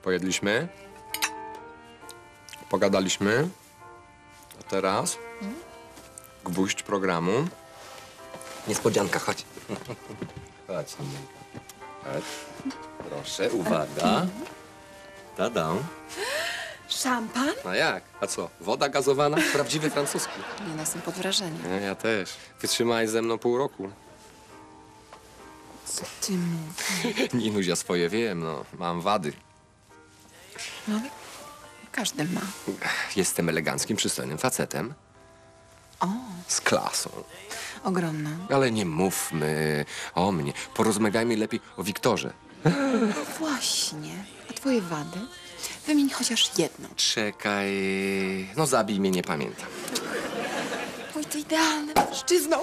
Pojedliśmy. Pogadaliśmy. A teraz gwóźdź programu. Niespodzianka, chodź. Chodź, Niemka. Chodź. Proszę, uwaga. Tadam. Szampan? A jak? A co? Woda gazowana? Prawdziwy francuski. Nie, no, jestem pod wrażeniem. Ja też. Wytrzymałeś ze mną pół roku. Co ty mówisz? Ninuś, ja swoje wiem, no. Mam wady. No, ale każdy ma. Jestem eleganckim, przystojnym facetem. O, Z klasą. ogromna. Ale nie mówmy o mnie. Porozmawiajmy lepiej o Wiktorze. No właśnie. A twoje wady? Wymień chociaż jedną. Czekaj... No zabij mnie, nie pamiętam. Oj, ty idealny mężczyzną.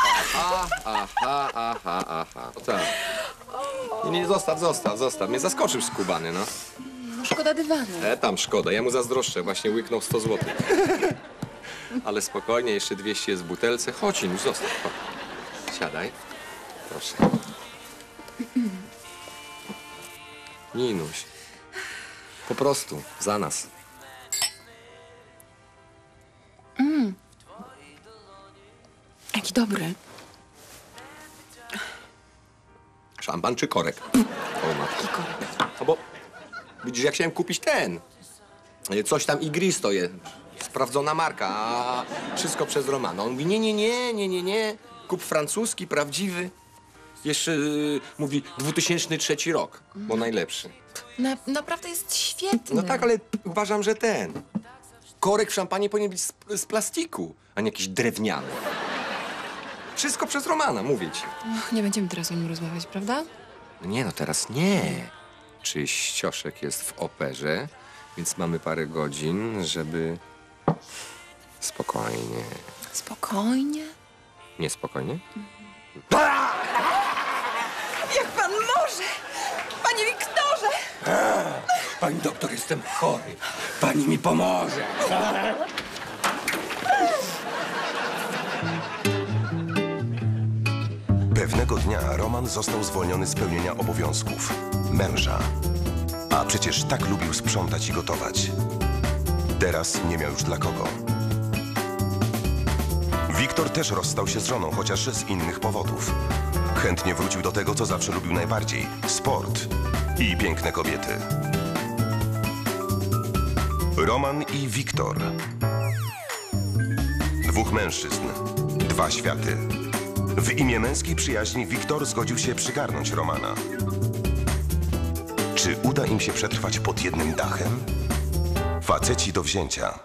Aha. O tak. Nie, zostaw. Mnie zaskoczył skubany, no. No, szkoda dywanu. Tam szkoda, ja mu zazdroszczę. Właśnie łyknął 100 złotych. Ale spokojnie, jeszcze 200 jest w butelce. Chodź, Inuś, zostaw. Chodź. Siadaj. Proszę. Ninuś. Po prostu, za nas. Jaki dobry. Szampan czy korek? O matko. Jaki korek. No bo widzisz, ja chciałem kupić ten. Coś tam Igristo jest. Sprawdzona marka, a wszystko przez Romana. On mówi, nie. Kup francuski, prawdziwy. Jeszcze mówi 2003 rok, bo najlepszy. Naprawdę jest świetny. No tak, ale uważam, że ten. Korek w szampanie powinien być z plastiku, a nie jakiś drewniany. Wszystko przez Romana, mówię ci. Och, nie będziemy teraz o nim rozmawiać, prawda? Nie, no teraz nie. Czyścioszek jest w operze, więc mamy parę godzin, żeby... Spokojnie. Spokojnie. Niespokojnie? Jak pan może? Panie Wiktorze! Pani doktor, jestem chory. Pani mi pomoże. Pewnego dnia Roman został zwolniony z pełnienia obowiązków męża. A przecież tak lubił sprzątać i gotować. Teraz nie miał już dla kogo. Wiktor też rozstał się z żoną, chociaż z innych powodów. Chętnie wrócił do tego, co zawsze lubił najbardziej – sport i piękne kobiety. Roman i Wiktor. Dwóch mężczyzn, dwa światy. W imię męskiej przyjaźni Wiktor zgodził się przygarnąć Romana. Czy uda im się przetrwać pod jednym dachem? Faceci do wzięcia.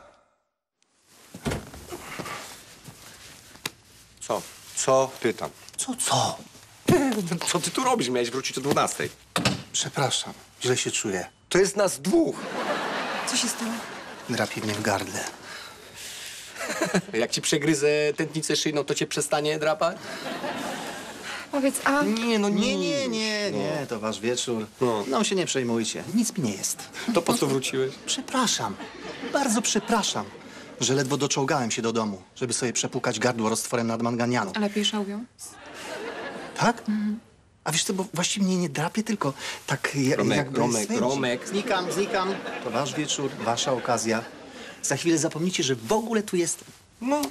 Co? Co? Pytam. Co? Co ty tu robisz? Miałeś wrócić o 12. Przepraszam, źle się czuję. To jest nas dwóch. Co się stało? Drapie mnie w gardle. Jak ci przegryzę tętnicę szyjną, to cię przestanie drapać? Powiedz, a... Nie, no Nie, to wasz wieczór. No. No się nie przejmujcie, nic mi nie jest. To po co wróciłeś? Przepraszam, bardzo przepraszam, że ledwo doczołgałem się do domu, żeby sobie przepłukać gardło roztworem nadmanganianu. Lepiej szałwią? Tak? A wiesz co, bo właściwie mnie nie drapie, tylko tak jakby swędzi. Romek. Znikam. To wasz wieczór, wasza okazja. Za chwilę zapomnicie, że w ogóle tu jestem. No.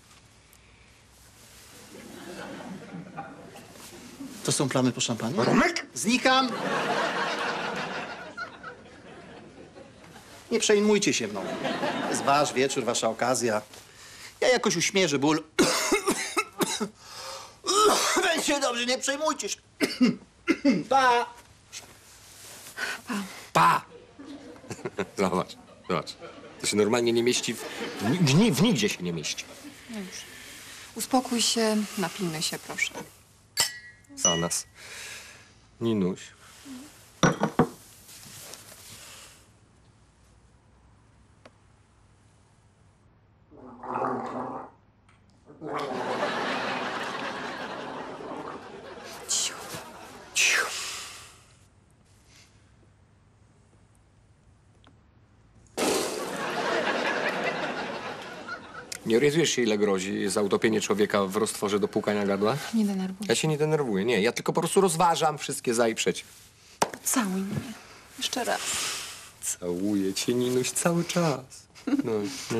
To są plamy po szampanie? Romek? Znikam! Nie przejmujcie się mną. To jest wasz wieczór, wasza okazja. Ja jakoś uśmierzę ból. Będzie dobrze, nie przejmujcie się. Pa! Pa! Zobacz. To się normalnie nie mieści w nigdzie się nie mieści. No już. Uspokój się, napijmy się, proszę. Za nas. Ninuś. Cicho. Nie orientujesz się, ile grozi za utopienie człowieka w roztworze do płukania gardła? Nie denerwuj. Ja się nie denerwuję, nie. Ja tylko po prostu rozważam wszystkie za i przeciw. Całuj mnie. Jeszcze raz. Całuję cię, Ninuś, cały czas. No, no.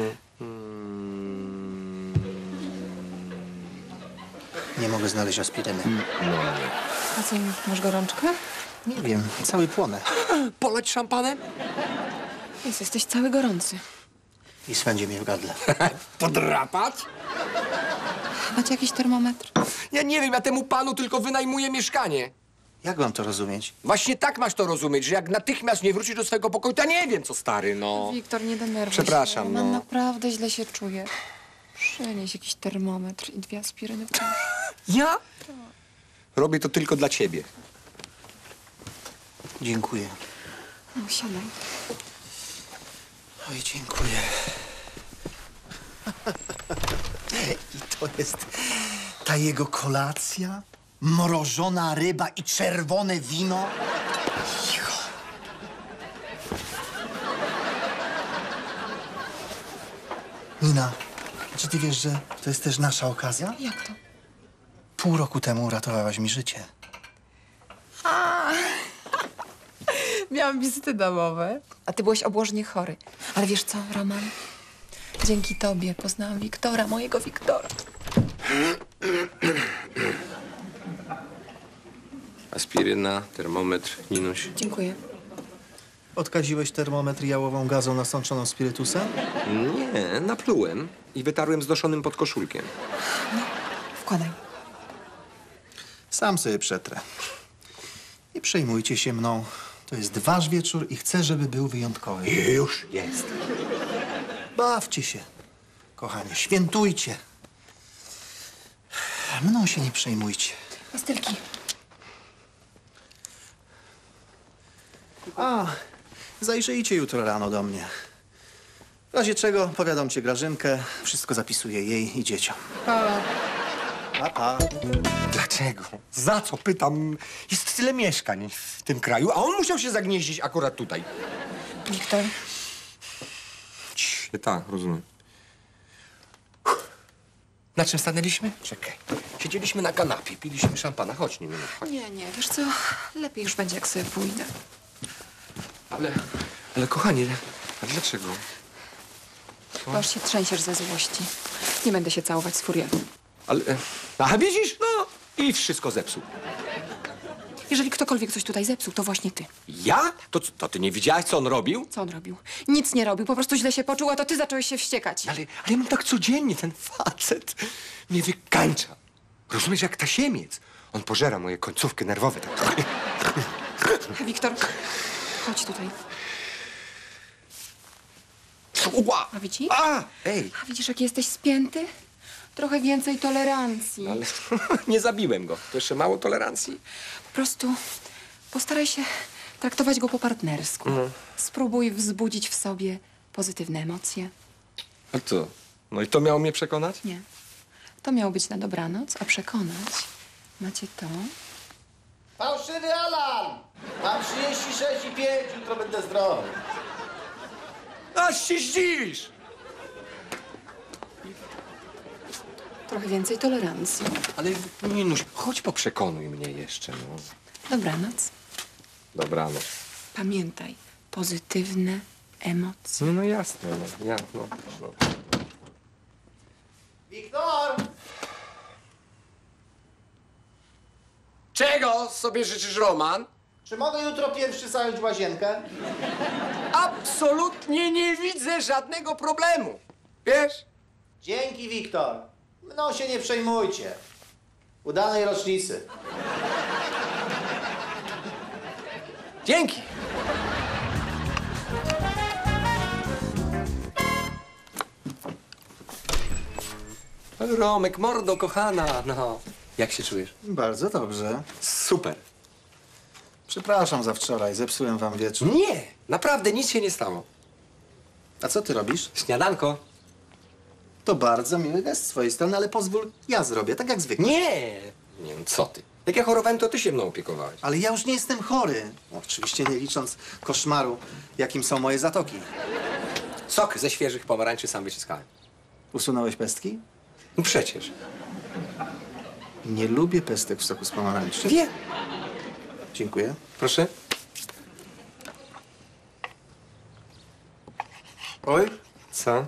Nie mogę znaleźć aspiryny. A co, masz gorączkę? Nie wiem, cały płonę. Polać szampanem? Jesteś cały gorący. I swędzi mnie w gardle. Podrapać? Macie jakiś termometr? Ja nie wiem, ja temu panu tylko wynajmuję mieszkanie. Jak mam to rozumieć? Właśnie tak masz to rozumieć, że jak natychmiast nie wrócisz do swojego pokoju, to ja nie wiem, co stary, no. Wiktor, nie denerwuj Przepraszam, się. no. Mam naprawdę źle się czuję. Przynieś jakiś termometr i 2 aspiryny, proszę. Ja? Robię to tylko dla ciebie. Dziękuję. No, siadaj. Oj, dziękuję. I to jest ta jego kolacja? Mrożona ryba i czerwone wino? Cicho. Nina, czy ty wiesz, że to jest też nasza okazja? Jak to? Pół roku temu uratowałaś mi życie. Miałam wizyty domowe. A ty byłeś obłożnie chory. Ale wiesz co, Roman? Dzięki tobie poznałam Wiktora, mojego Wiktora. Aspiryna, termometr, Ninuś. Dziękuję. Odkaziłeś termometr jałową gazą nasączoną spirytusem? Nie, naplułem i wytarłem zdoszonym podkoszulkiem. Wkładaj. Sam sobie przetrę. Nie przejmujcie się mną. To jest wasz wieczór i chcę, żeby był wyjątkowy. Już jest. Bawcie się, kochanie, świętujcie. Mną się nie przejmujcie. Pastylki. A, zajrzyjcie jutro rano do mnie. W razie czego powiadomcie Grażynkę, wszystko zapisuję jej i dzieciom. Pa, pa. Dlaczego? Za co? Pytam. Jest tyle mieszkań w tym kraju, a on musiał się zagnieździć akurat tutaj. Wiktor. Tak, rozumiem. Na czym stanęliśmy? Czekaj. Siedzieliśmy na kanapie, piliśmy szampana. Chodź, nie minut. Chodź. Nie, wiesz co? Lepiej już będzie, jak sobie pójdę. Ale kochanie, a dlaczego? Bo aż się trzęsiesz ze złości. Nie będę się całować z furiatą. Ale... A widzisz? No i wszystko zepsuł. Jeżeli ktokolwiek coś tutaj zepsuł, to właśnie ty. Ja? To ty nie widziałaś, co on robił? Co on robił? Nic nie robił, po prostu źle się poczuł, a to ty zacząłeś się wściekać. Ale ja mam tak codziennie, ten facet mnie wykańcza. Rozumiesz, jak tasiemiec. On pożera moje końcówki nerwowe. Tak. Wiktor, chodź tutaj. Ła! A widzisz? Ej! A widzisz, jaki jesteś spięty? Trochę więcej tolerancji. Ale nie zabiłem go. To jeszcze mało tolerancji. Po prostu postaraj się traktować go po partnersku. Spróbuj wzbudzić w sobie pozytywne emocje. A co? No i to miało mnie przekonać? Nie. To miało być na dobranoc, a przekonać macie to. Fałszywy alarm! Mam 36,5, jutro będę zdrowy. Aż się zdziwisz! Trochę więcej tolerancji. Ale Ninuś, chodź poprzekonuj mnie jeszcze, no. Dobranoc. Dobranoc. Pamiętaj, pozytywne emocje. No jasne, no. Wiktor! Czego sobie życzysz, Roman? Czy mogę jutro pierwszy zająć łazienkę? Absolutnie nie widzę żadnego problemu. Wiesz? Dzięki, Wiktor. Mną się nie przejmujcie. Udanej rocznicy. Dzięki. Romek, mordo, kochana, no. Jak się czujesz? Bardzo dobrze. Super. Przepraszam za wczoraj, zepsułem wam wieczór. Nie, naprawdę nic się nie stało. A co ty robisz? Śniadanko? To bardzo miły gest z twojej strony, ale pozwól, ja zrobię, tak jak zwykle. Nie, no co ty. Jak ja chorowałem, to ty się mną opiekowałeś. Ale ja już nie jestem chory. Oczywiście nie licząc koszmaru, jakim są moje zatoki. Sok ze świeżych pomarańczy sam wyciskałem. Usunąłeś pestki? No przecież. Nie lubię pestek w soku z pomarańczy. Wiem. Dziękuję. Proszę. Oj, Co?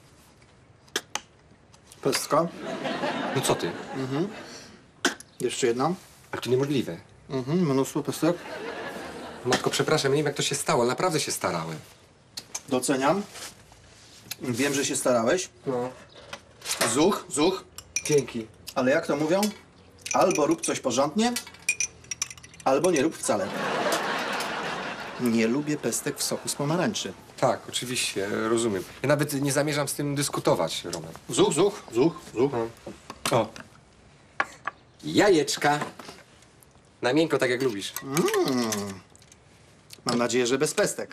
pestka. No co ty? Jeszcze jedna. Ale to niemożliwe. Mnóstwo pestek. Matko, przepraszam, nie wiem jak to się stało, ale naprawdę się starałem. Doceniam. Wiem, że się starałeś. No. Zuch. Dzięki. Ale jak to mówią? Albo rób coś porządnie, albo nie rób wcale. Nie lubię pestek w soku z pomarańczy. Tak, oczywiście, rozumiem. Ja nawet nie zamierzam z tym dyskutować, Roman. Zuch. O. Jajeczka. Na miękko, tak jak lubisz. Mam nadzieję, że bez pestek.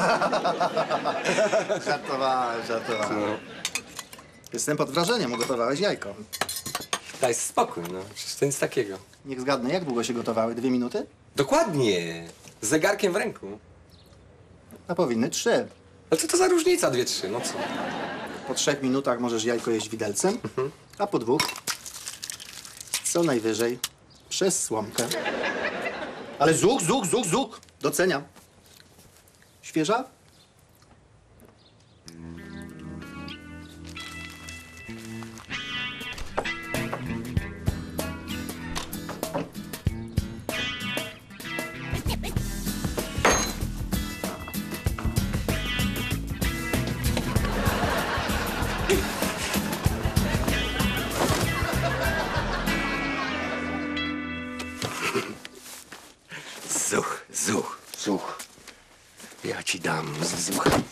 Żartowałem. No. Jestem pod wrażeniem, ugotowałeś jajko. Daj spokój, no. Przecież to nic takiego. Niech zgadnę, jak długo się gotowały? 2 minuty? Dokładnie. Z zegarkiem w ręku. A powinny 3. Ale co to za różnica, 2-3, no co? Po 3 minutach możesz jajko jeść widelcem, a po 2 co najwyżej przez słomkę. Ale zuch. Doceniam. Świeża? Zuch. Ja ci dam z zuchem.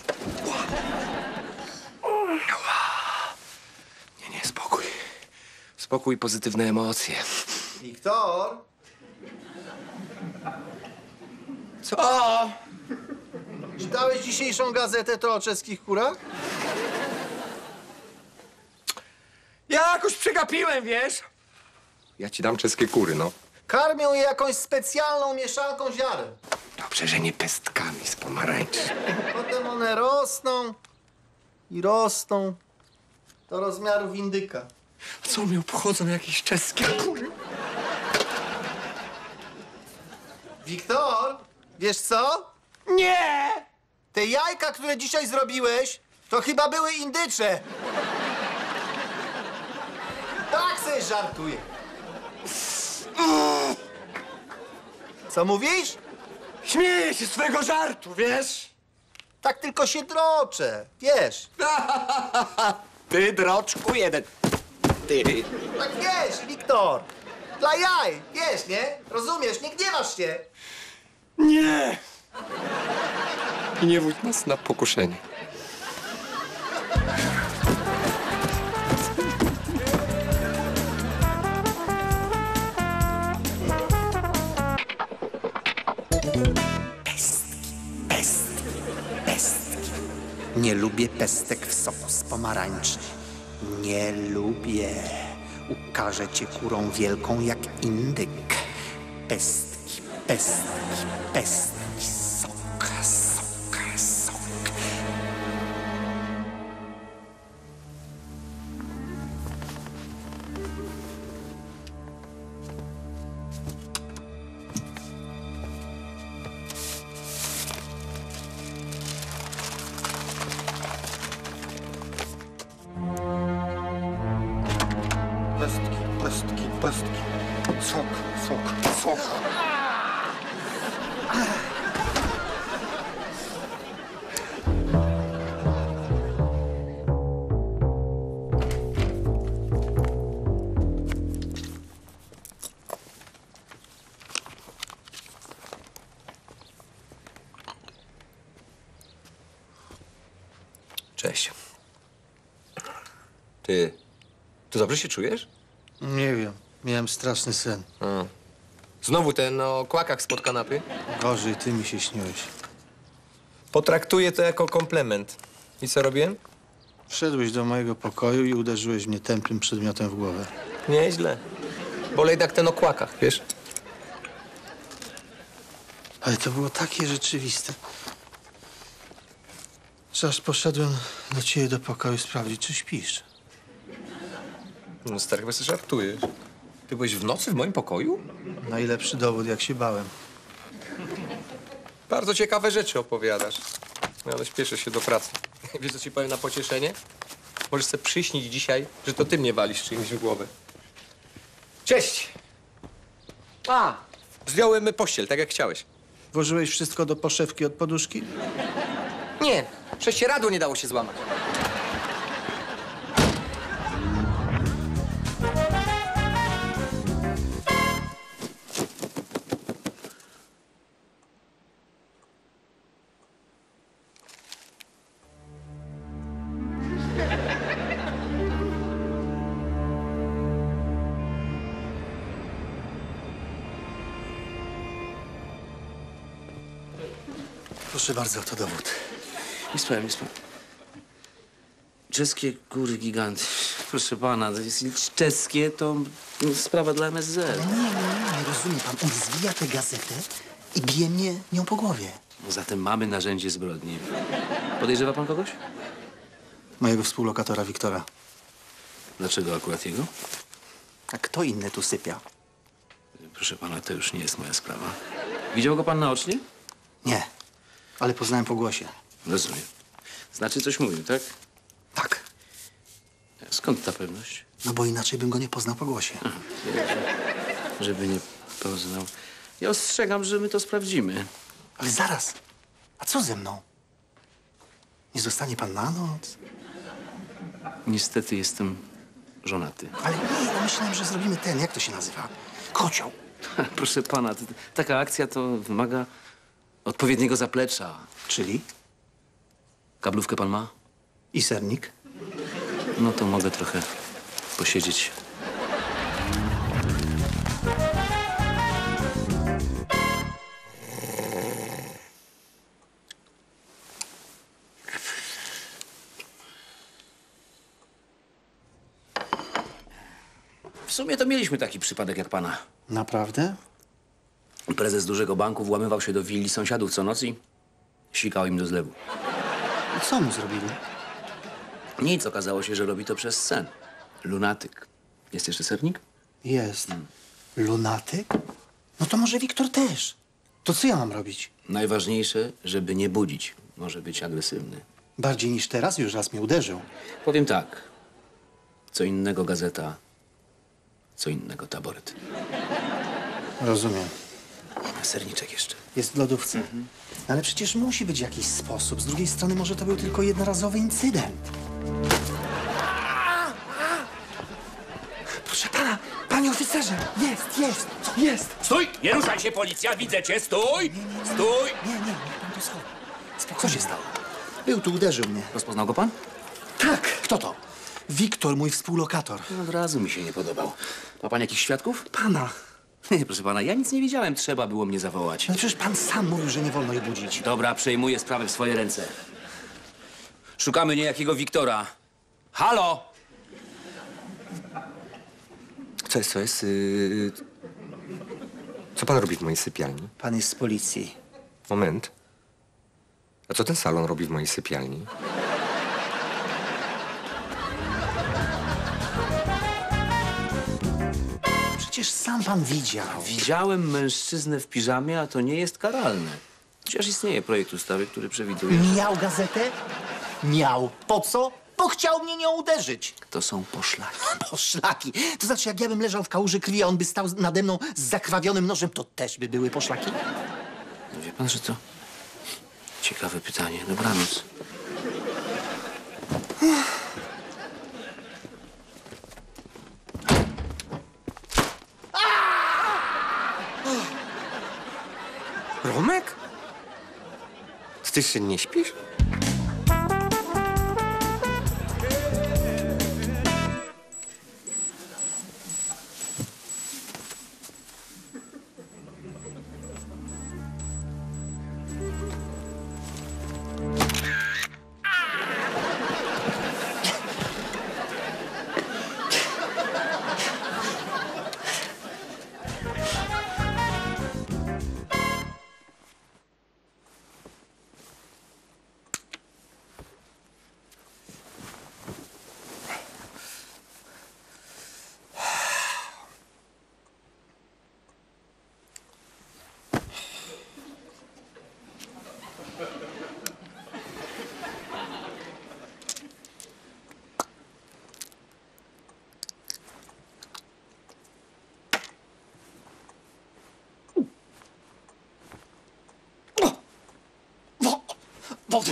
Nie, spokój. Spokój, pozytywne emocje. Wiktor? Co? Czytałeś dzisiejszą gazetę to o czeskich kurach? Ja jakoś przegapiłem, wiesz? Ja ci dam czeskie kury, no. Karmią je jakąś specjalną mieszanką ziaren. Dobrze, że nie pestkami z pomarańczy. Potem one rosną i rosną do rozmiarów indyka. A co mnie obchodzą jakieś czeskie kury? Wiktor, wiesz co? Nie! Te jajka, które dzisiaj zrobiłeś, to chyba były indycze. Tak sobie żartuję. Co mówisz? Śmieję się z twojego żartu, wiesz? Tak tylko się droczę, wiesz. Ty, droczku jeden. Ty. Tak wiesz, Wiktor. Dla jaj, wiesz, nie? Rozumiesz, nie gniewasz się. Nie! I nie wódź nas na pokuszenie. Nie lubię pestek w soku z pomarańczy. Nie lubię. Ukażę cię kurą wielką jak indyk. Pestki. Sok. Pestki. Sok. Cześć. Ty dobrze się czujesz? Nie wiem, miałem straszny sen. Znowu ten o kłakach spod kanapy? Gorzej, ty mi się śniłeś. Potraktuję to jako komplement. I co robiłem? Wszedłeś do mojego pokoju i uderzyłeś mnie tępym przedmiotem w głowę. Nieźle. Bolej tak ten o kłakach, wiesz? Ale to było takie rzeczywiste. Że aż poszedłem do ciebie do pokoju sprawdzić, czy śpisz. No stary, chyba sobie żartujesz. Ty byłeś w nocy w moim pokoju? Najlepszy dowód, jak się bałem. Bardzo ciekawe rzeczy opowiadasz. No ale śpieszę się do pracy. Wiesz, co ci powiem na pocieszenie? Możesz sobie przyśnić dzisiaj, że to ty mnie walisz czymś w głowę. Cześć! Zdjąłem pościel, tak jak chciałeś. Włożyłeś wszystko do poszewki od poduszki? Nie, prześcieradło nie dało się złamać. Proszę bardzo, to dowód. Nie spałem, nie spałem. Czeskie góry giganty. Proszę pana, to jest czeskie to sprawa dla MSZ. Nie rozumie pan. On zwija tę gazetę i bije mnie nią po głowie. Zatem mamy narzędzie zbrodni. Podejrzewa pan kogoś? Mojego współlokatora Wiktora. Dlaczego akurat jego? A kto inny tu sypia? Proszę pana, to już nie jest moja sprawa. Widział go pan naocznie? Nie, ale poznałem po głosie. Rozumiem. Znaczy coś mówił, tak? Tak, Skąd ta pewność? no bo inaczej bym go nie poznał po głosie. Żeby nie poznał. Ja ostrzegam, że my to sprawdzimy. Ale zaraz, a co ze mną? Nie zostanie pan na noc? Niestety jestem żonaty. Ale nie, no myślałem, że zrobimy ten, jak to się nazywa? Kocioł. Proszę pana, taka akcja to wymaga odpowiedniego zaplecza. Czyli? Kablówkę pan ma? I sernik? No to mogę trochę posiedzieć. W sumie to mieliśmy taki przypadek jak pana. Naprawdę? Prezes dużego banku włamywał się do willi sąsiadów co noc i sikał im do zlewu. I co mu zrobili? Nic, okazało się, że robi to przez sen. Lunatyk. Jest jeszcze sernik? Jest. Lunatyk? No to może Wiktor też. To co ja mam robić? Najważniejsze, żeby nie budzić. Może być agresywny. Bardziej niż teraz, już raz mnie uderzył. Powiem tak. Co innego gazeta, co innego taboret. Rozumiem. Serniczek jeszcze. Jest w lodówce. Ale przecież musi być jakiś sposób. Z drugiej strony może to był tylko jednorazowy incydent. Proszę pana, panie oficerze! Jest! Stój! Nie ruszaj się, policja! Widzę cię! Stój! Stój! Nie, niech pan to schowa. Co się stało? Był tu, uderzył mnie. Rozpoznał go pan? Tak! Kto to? Wiktor, mój współlokator. Od razu mi się nie podobał. Ma pan jakichś świadków? Pana. Nie, proszę pana, ja nic nie wiedziałem. Trzeba było mnie zawołać. No przecież pan sam mówił, że nie wolno jej budzić. Dobra, przejmuję sprawę w swoje ręce. Szukamy niejakiego Wiktora. Halo! Co jest? Co pan robi w mojej sypialni? Pan jest z policji. Moment. A co ten salon robi w mojej sypialni? Przecież sam pan widział. Widziałem mężczyznę w piżamie, a to nie jest karalne. Chociaż istnieje projekt ustawy, który przewiduje, że Miał gazetę? Miał. Po co? Bo chciał mnie nią uderzyć. to są poszlaki. Poszlaki. To znaczy, jak ja bym leżał w kałuży krwi, a on by stał nade mną z zakrwawionym nożem, to też by były poszlaki? No wie pan, że to ciekawe pytanie. Dobranoc. Romek? Ty jeszcze nie śpisz? Wody!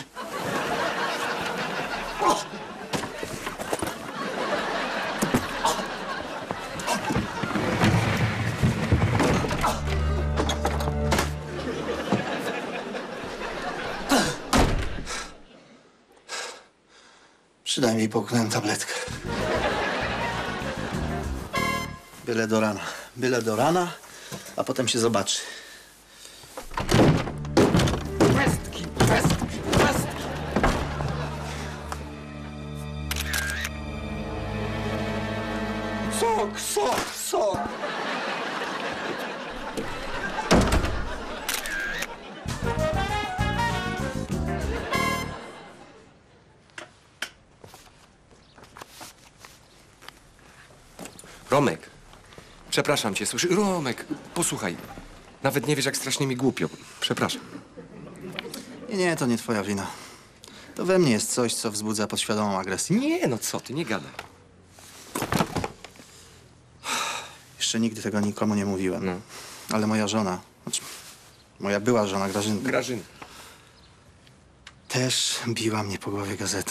Przynajmniej połknąłem tabletkę. Byle do rana. Byle do rana, a potem się zobaczy. Pestki, pestki, pestki. Sok, sok, sok. Romek, przepraszam cię, słyszy? Romek, posłuchaj. Nawet nie wiesz, jak strasznie mi głupio. Przepraszam. Nie, to nie twoja wina. To we mnie jest coś, co wzbudza podświadomą agresję. Nie, no co ty, nie gadaj. Jeszcze nigdy tego nikomu nie mówiłem. No. Ale moja żona, znaczy moja była żona Grażynka, Grażyna. też biła mnie po głowie gazetą.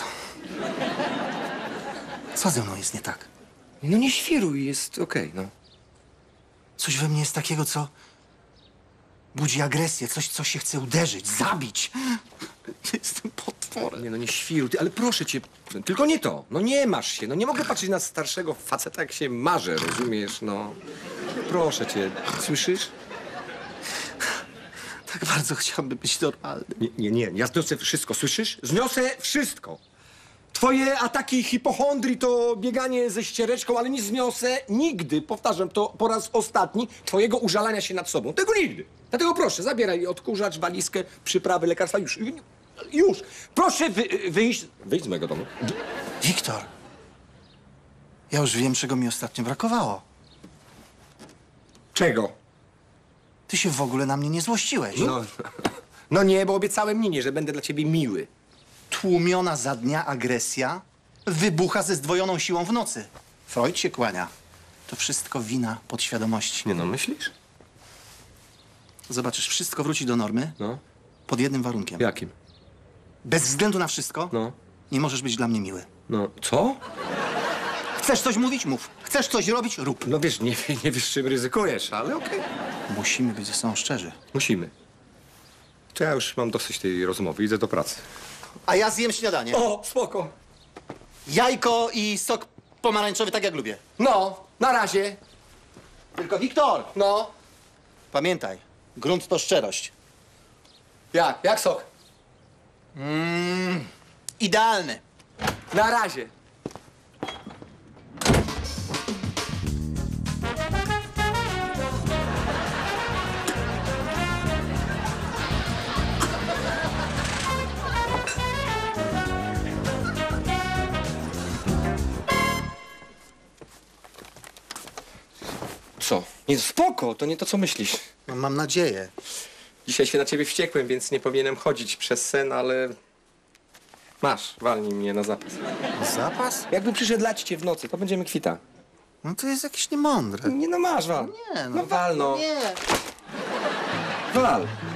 Co ze mną jest nie tak? No nie świruj, jest okej, no. Coś we mnie jest takiego, co budzi agresję, coś, co się chce uderzyć, zabić. Jestem potworem. Nie, no nie świruj, ty, ale proszę cię, tylko nie to. No nie masz się, no nie mogę patrzeć na starszego faceta, jak się marzę, rozumiesz, no. Proszę cię, słyszysz? Tak bardzo chciałbym być normalny. Nie, ja zniosę wszystko, słyszysz? Zniosę wszystko. Twoje ataki hipochondrii to bieganie ze ściereczką, ale nie zniosę nigdy, powtarzam to po raz ostatni, twojego użalania się nad sobą. Tego nigdy. Dlatego proszę, zabieraj odkurzacz, walizkę, przyprawy, lekarstwa, już. Już. Proszę wyjść z mojego domu. Wiktor, ja już wiem, czego mi ostatnio brakowało. Czego? Ty się w ogóle na mnie nie złościłeś. No nie, bo obiecałem Ninie, że będę dla ciebie miły. Tłumiona za dnia agresja wybucha ze zdwojoną siłą w nocy. Freud się kłania. To wszystko wina podświadomości. Nie no, myślisz? Zobaczysz, wszystko wróci do normy No. pod jednym warunkiem. Jakim? Bez względu na wszystko No. nie możesz być dla mnie miły. No, co? Chcesz coś mówić? Mów. Chcesz coś robić? Rób. No wiesz, nie wiesz, czym ryzykujesz, ale okej. Musimy być ze sobą szczerzy. Musimy. To ja już mam dosyć tej rozmowy, idę do pracy. A ja zjem śniadanie. O, spoko. Jajko i sok pomarańczowy, tak jak lubię. No, na razie. Tylko Wiktor, No. pamiętaj, grunt to szczerość. Jak sok? Idealny. Na razie. Co? Nie, spoko, to nie to, co myślisz. No, mam nadzieję. Dzisiaj się na ciebie wściekłem, więc nie powinienem chodzić przez sen, ale... Masz, walnij mnie na zapas. Zapas? Jakby przyszedł lać cię w nocy, to będziemy kwita. No to jest jakieś niemądre. Nie no, masz, wal. Nie, No wal, no. Nie. Wal.